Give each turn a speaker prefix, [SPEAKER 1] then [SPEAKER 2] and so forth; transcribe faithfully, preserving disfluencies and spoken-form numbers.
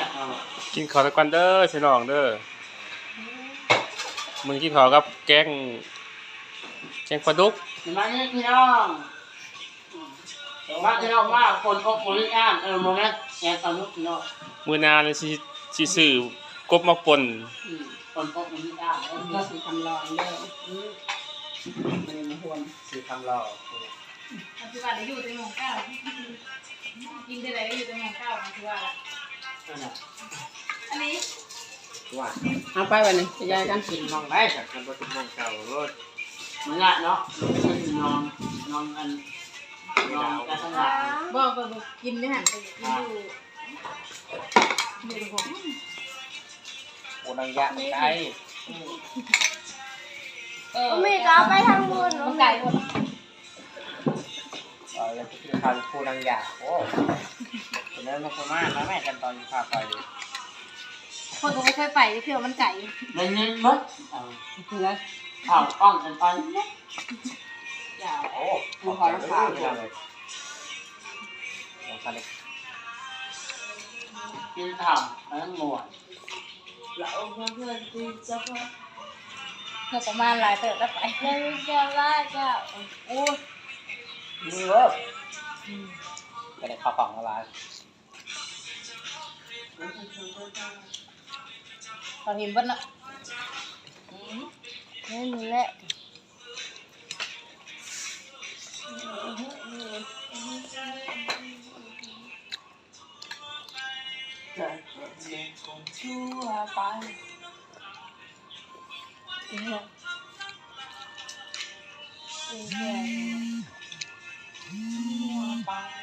[SPEAKER 1] กินข้าวตะกันเด้อพี่น้องเด้อมึงกินข้าวกับแกงแกงปลาดุก
[SPEAKER 2] มาเนี่ยพี่น้องมาพี่น้องมาคนอกคนอ่านเออโมเมนต์แกงปลาดุกพี่น้อง
[SPEAKER 1] มื้อหน้าเลยสิสิซื้อกบมาป่น
[SPEAKER 2] คนอกคนอ่าน
[SPEAKER 3] ก็สีคำรองเด้อมันมาหวน
[SPEAKER 2] สีคำรอ
[SPEAKER 4] ปัจจุบันได้อยู่ในหมู่เก้ากินได้ได้อยู่ในหมู่เก้าปัจจุบันละอันนี้
[SPEAKER 2] ว่า
[SPEAKER 3] เอาไปวันนี้จะย้ายกัน
[SPEAKER 2] กินมองได้จากกันบ่ถึงมองเก่ารถมันละเนาะนอนนอนกันนอนกันทั้งหลาย
[SPEAKER 4] บอกก็กินไม่หันไปกินอยู่อยู่ในผม
[SPEAKER 2] โอ้นางยะไก่
[SPEAKER 5] เออไม่ก็ไปทางบน
[SPEAKER 4] มันไก่หมด
[SPEAKER 2] เออแล้วคือทานปูนางยะโอ้เป็นเรื่องนกมาแล้วแม่กันตอนพาไป
[SPEAKER 4] คนก็ไม่เคยไปเพื่อมันไก่
[SPEAKER 2] เล่นเล่นมั้งเพื่อข้าวอ้อมกันตอนนี้ยาวโอ้มาขอรับข้าวเลยกินข้าวแล้วหมด
[SPEAKER 5] เราเพื่อนเพื่อนกินจะพอ
[SPEAKER 4] เราประมาณหลายเติบแล้วไป
[SPEAKER 5] แล้วจะว่าจะ
[SPEAKER 2] โอ้นี่เว้ยก็ได้ข้าวของอะไร
[SPEAKER 4] ตอนเห็นบ้านละ
[SPEAKER 5] นี่นี่แหละ
[SPEAKER 2] จะเลี้ยงคนชั่วไป
[SPEAKER 5] เนี่ย
[SPEAKER 2] ชั่วไป